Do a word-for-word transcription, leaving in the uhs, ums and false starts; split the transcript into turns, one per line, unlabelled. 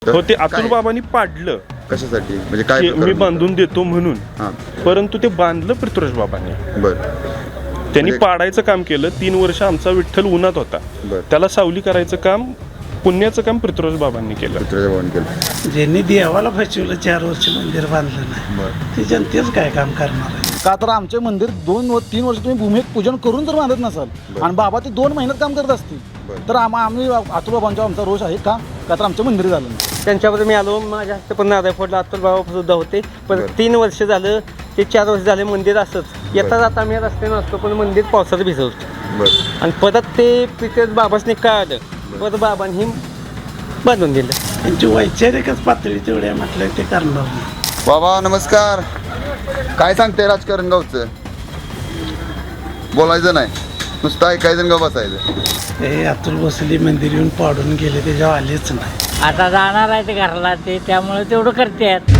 हो ते अतुल बाबांनी पाडलं
कशासाठी म्हणजे काय
की
प्रकरण
मी
होतं?
बांधून देतो म्हणून,
हां
परंतु ते बांधलं पृथ्वीराज बाबांनी.
बर
त्यांनी
म्हणजे-
पाडायचं काम केलं. तीन वर्ष आमचा विठ्ठल उन्हात होता,
बर
त्याला सावली करायचं काम, पुण्याचं काम पृथ्वीराज बाबांनी केलं.
पृथ्वीराज बाबांनी केलं.
ज्यांनी देवाला फसवलं, चार वर्ष मंदिर बांधलं नाही,
बर
ते जनतेच काय काम करणार आहे?
का तर आमचे मंदिर दोन व तीन वर्ष तुम्ही भूमिक पूजन करून जर बांधत नसाल
बरं.
आणि बाबा ते दोन महिन्यात काम करत असतील
बरं.
तर आम आम्ही अतुल बाबांचा आमचा रोष आहे का का तर आमचं मंदिर झालं नाही.
त्यांच्याबद्दल मी आलो, माझ्या हस्ते पण नारळ फोडला. अतुल बाबा सुद्धा होते, पण
बरं.
तीन वर्ष झालं ते चार वर्ष झाले मंदिर असंच येता जाता आम्ही रस्त्याने असतो, पण मंदिर पावसात भिजवतो.
बर
आणि परत ते तिथे बाबासने कळालं, परत बाबांनी बांधून दिलं.
त्यांची वैचारिकच पातळी तेवढी आहे म्हटलं ते करणार नाही.
बाबा नमस्कार. काय सांगते राजकारण गावचं? बोलायचं नाही, नुसतं ऐकायचं गाव बसायचं.
ते अतुल बसली मंदिर येऊन पाडून गेले, त्याच्यावर आलेच नाही.
आता जाणार आहे ते घरला, ते त्यामुळे तेवढं करतात.